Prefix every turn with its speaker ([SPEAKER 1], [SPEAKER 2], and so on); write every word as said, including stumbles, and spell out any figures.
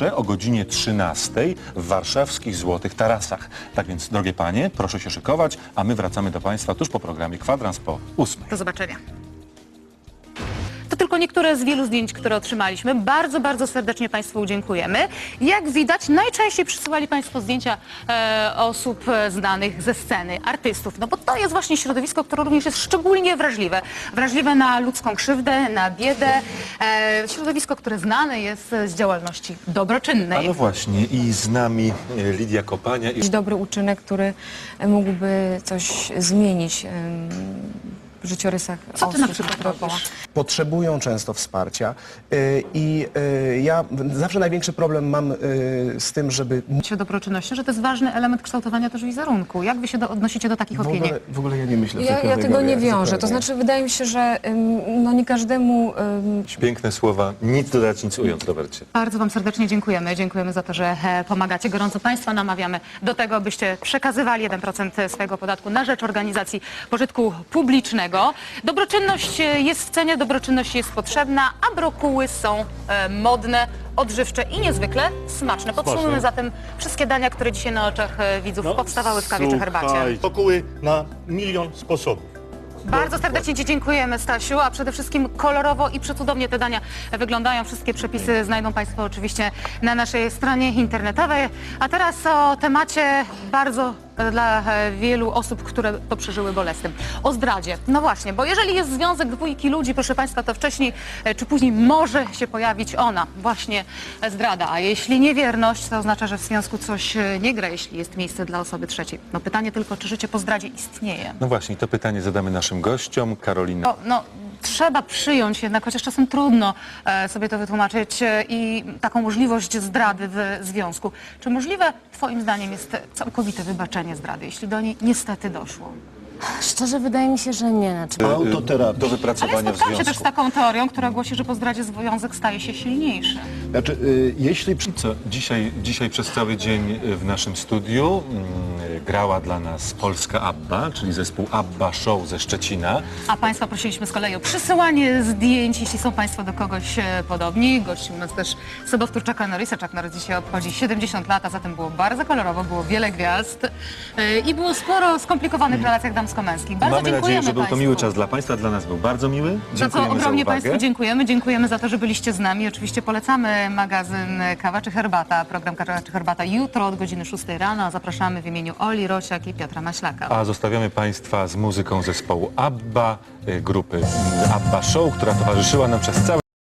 [SPEAKER 1] zawsze o godzinie trzynastej w warszawskich Złotych Tarasach. Tak więc, drogie panie, proszę się szykować, a my wracamy do państwa tuż po programie Kwadrans po ósmej.
[SPEAKER 2] Do zobaczenia. To tylko niektóre z wielu zdjęć, które otrzymaliśmy. Bardzo, bardzo serdecznie Państwu dziękujemy. Jak widać, najczęściej przysyłali Państwo zdjęcia e, osób e, znanych ze sceny, artystów. No bo to jest właśnie środowisko, które również jest szczególnie wrażliwe. Wrażliwe na ludzką krzywdę, na biedę. E, środowisko, które znane jest z działalności dobroczynnej.
[SPEAKER 1] A no właśnie, i z nami e, Lidia Kopania. I...
[SPEAKER 3] Jakiś dobry uczynek, który mógłby coś zmienić w życiorysach
[SPEAKER 2] Co ty
[SPEAKER 3] osób
[SPEAKER 2] na przykład
[SPEAKER 3] dookoła.
[SPEAKER 2] robisz?
[SPEAKER 4] Potrzebują często wsparcia y, i y, ja zawsze największy problem mam y, z tym, żeby
[SPEAKER 2] Się dobroczynnością, że to jest ważny element kształtowania też wizerunku. Jak wy się do, odnosicie do takich
[SPEAKER 4] w
[SPEAKER 2] opinii?
[SPEAKER 4] ogóle, w ogóle ja nie myślę w
[SPEAKER 3] Ja,
[SPEAKER 4] tej
[SPEAKER 3] ja tego nie
[SPEAKER 4] kategoriach
[SPEAKER 3] wiążę. To
[SPEAKER 4] zupełnie.
[SPEAKER 3] znaczy, wydaje mi się, że ym, no nie każdemu... ym,
[SPEAKER 1] Piękne słowa, nic dodać, nic ująć, Robercie.
[SPEAKER 2] Bardzo Wam serdecznie dziękujemy. Dziękujemy za to, że e, pomagacie. Gorąco Państwa namawiamy do tego, byście przekazywali jeden procent swojego podatku na rzecz organizacji pożytku publicznego. Dobroczynność e, jest w cenie, dobroczynność jest potrzebna, a brokuły są e, modne, odżywcze i niezwykle smaczne. Podsumujmy zatem wszystkie dania, które dzisiaj na oczach e, widzów powstawały w kawie czy herbacie.
[SPEAKER 5] Słuchaj, brokuły na milion sposobów.
[SPEAKER 2] Bardzo serdecznie Ci dziękujemy, Stasiu, a przede wszystkim kolorowo i przecudownie te dania wyglądają. Wszystkie przepisy znajdą Państwo oczywiście na naszej stronie internetowej. A teraz o temacie bardzo dla wielu osób, które to przeżyły bolesnym. O zdradzie. No właśnie, bo jeżeli jest związek dwójki ludzi, proszę Państwa, to wcześniej czy później może się pojawić ona, właśnie zdrada. A jeśli niewierność, to oznacza, że w związku coś nie gra, jeśli jest miejsce dla osoby trzeciej. No pytanie tylko, czy życie po zdradzie istnieje?
[SPEAKER 1] No właśnie, to pytanie zadamy naszym gościom. Karolina.
[SPEAKER 2] No, no, trzeba przyjąć jednak, chociaż czasem trudno e, sobie to wytłumaczyć e, i taką możliwość zdrady w związku. Czy możliwe Twoim zdaniem jest całkowite wybaczenie zdrady, jeśli do niej niestety doszło?
[SPEAKER 6] Szczerze wydaje mi się, że nie. Znaczy,
[SPEAKER 5] Autoterapia.
[SPEAKER 1] Do
[SPEAKER 2] Ale
[SPEAKER 1] wypracowania w
[SPEAKER 2] spotkałam się też z
[SPEAKER 1] związku.
[SPEAKER 2] taką teorią, która głosi, że po zdradzie związek staje się silniejszy.
[SPEAKER 5] Znaczy, y, jeśli przy...
[SPEAKER 1] Co, dzisiaj, dzisiaj przez cały dzień w naszym studiu mm, grała dla nas polska ABBA, czyli zespół ABBA Show ze Szczecina.
[SPEAKER 2] A Państwa prosiliśmy z kolei o przysyłanie zdjęć, jeśli są Państwo do kogoś e, podobni. Gościł nas też sobowtór Chucka Norrisa. Chuck Norris dzisiaj obchodzi siedemdziesiąt lat, a zatem było bardzo kolorowo, było wiele gwiazd e, i było sporo skomplikowanych relacjach damsko-męskich. Bardzo
[SPEAKER 1] Mamy
[SPEAKER 2] dziękujemy
[SPEAKER 1] nadzieję, że był to
[SPEAKER 2] Państwu.
[SPEAKER 1] miły czas dla Państwa, dla nas był bardzo miły.
[SPEAKER 2] Za co
[SPEAKER 1] Dziękujemy za
[SPEAKER 2] ogromnie
[SPEAKER 1] uwagę.
[SPEAKER 2] Państwu dziękujemy. Dziękujemy za to, że byliście z nami. Oczywiście polecamy magazyn Kawa czy Herbata, program Kawa czy Herbata jutro od godziny szóstej rano. Zapraszamy w imieniu Oli Rosiak i Piotra Maślaka.
[SPEAKER 1] A zostawiamy Państwa z muzyką zespołu ABBA, y, grupy ABBA Show, która towarzyszyła nam przez cały